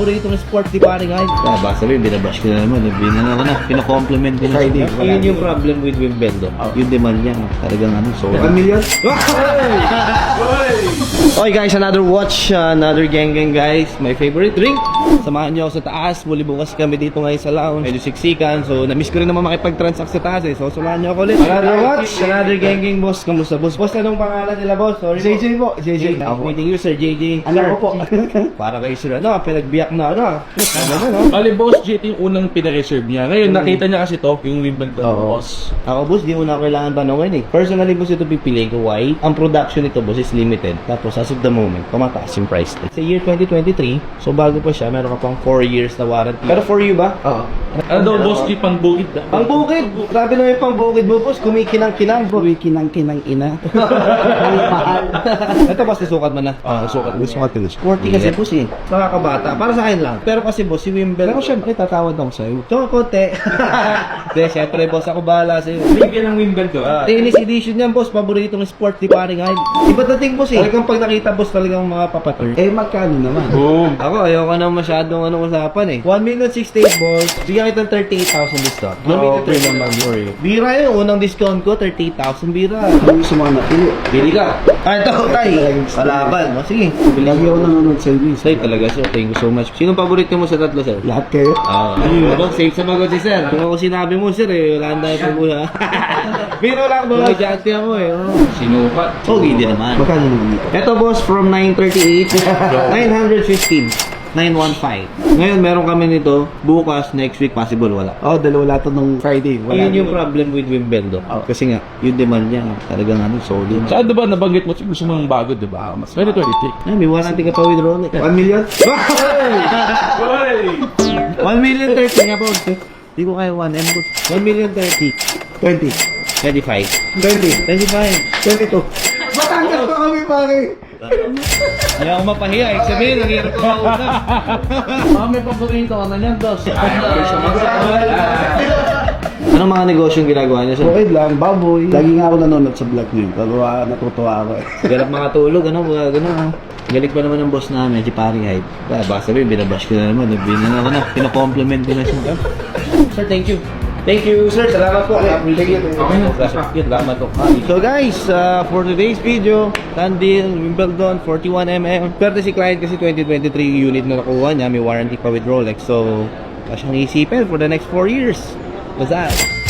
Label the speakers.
Speaker 1: paboritong sport di pare guys. Basta rin, binabash ko na naman. Pina-compliment ko na. Yun yung problem with Wimbledon. Yung demand niya, talagang solid.
Speaker 2: 1 million?
Speaker 1: Okay guys, another watch, another gang guys. My favorite drink. Samahan niyo ako sa taas. Muli bukas kami dito ngayon sa lounge. Medyo siksikan. So, na-miss ko rin naman makipag-transact sa taas So, samahan niyo ako ulit. Another watch, another gang boss. Kamusta boss? Boss, anong pangalan nila boss? Sorry
Speaker 2: JJ po, JJ.
Speaker 1: Meeting you sir, JJ.
Speaker 2: Ano po?
Speaker 1: Para kayo sir, pinagbiyak na
Speaker 3: Bali, Boss JT yung unang pinareserve niya. Ngayon, nakita niya kasi to, yung Wimbledon boss.
Speaker 1: Ako boss, di mo na kailangan tanongin Personally boss, ito pipiliin ko. Why? Ang production nito boss is limited. Tapos as of the moment, tumataas yung price. Sa year 2023, so bago pa siya, meron ka pang 4 years na warranty. Pero for you ba? Oo.
Speaker 3: Ano daw, Boss G, pang bukid na?
Speaker 1: Pang bukid! Grabe naman yung pang bukid mo boss, kumikinang-kinang bro.
Speaker 2: Kinang ina.
Speaker 1: Ito boss, nasukat mo na.
Speaker 2: Sukat ko na.
Speaker 1: Sporty kasi boss Nakakabata. Para sa akin lang. Pero kasi boss, si Wimbledon.
Speaker 2: Pero syempre, tatawad ako sa'yo.
Speaker 1: Ito, konti. Hindi, syempre boss, ako bahala sa'yo.
Speaker 3: Bigyan ng Wimbledon.
Speaker 1: Tennis edition yan boss, paboritong sport di pare guys. Iba dating boss Talagang pag nakita boss talagang mga papatur.
Speaker 2: Magkano naman?
Speaker 3: Boom!
Speaker 1: Ako, ayoko na masyadong usapan 1,068 balls. Bigyan kita 38,000 discount.
Speaker 2: Okay naman, sorry.
Speaker 1: Bira yun. Unang discount ko, 38,000 bira.
Speaker 2: Ano gusto mo napili?
Speaker 1: Bili ka. Ito, tay. Palaban. Sige.
Speaker 2: Lagi ako nanonood sa inyo.
Speaker 1: Tay, talaga sir. Thank you so much. Sinong paborito mo sa tatlo, sir?
Speaker 2: Lahat kayo?
Speaker 1: Boss, safe sa magot si sir. Kung ako sinabi mo, sir, wala na tayo pagbuha. Biro lang, boss. Magyante ako
Speaker 3: Sinukat.
Speaker 1: Okay, di naman.
Speaker 2: Magkano naman ito?
Speaker 1: Ito boss, from 938, 915. 915. Ngayon, meron kami nito. Bukas, next week, possible, wala.
Speaker 2: Dalawa lahat nung Friday.
Speaker 1: Yun yung problem with Wimbledon. Kasi nga, yung demand niya, talagang solid.
Speaker 3: Saan diba nabanggit mo, gusto mo ng bago, diba? Mas 2023.
Speaker 1: May warranty ka pa with Rolex.
Speaker 2: 1 million?
Speaker 1: 1,030,000 nga po. Hindi ko kaya 1M po. 1,030,000.
Speaker 2: 20.
Speaker 1: 25.
Speaker 2: 20.
Speaker 1: 25.
Speaker 2: 22. Batangas pa kami, pare.
Speaker 1: Ayaw ko mapahiya. Sabihin, nangyari ko mauna. May paborito ka na niyan, boss. Anong mga negosyong ginagawa niyo, sir?
Speaker 2: Okay lang, baboy. Lagi nga ako nanonood sa vlog niyo. Natutuwa ako
Speaker 1: Galap makatulog, Galit pa naman ng boss namin, si Pari Hype. Baka sabihin, binabash ko na naman. Pina-compliment ko na siya. Sir, thank you. Thank you, sir. Salamat po. Salamat po. So guys, for today's video, Tandil, Wimbledon, 41mm. Pero si client kasi 2023 unit na nakuha niya. May warranty pa with Rolex. So, siyang isipin for the next 4 years. What's that?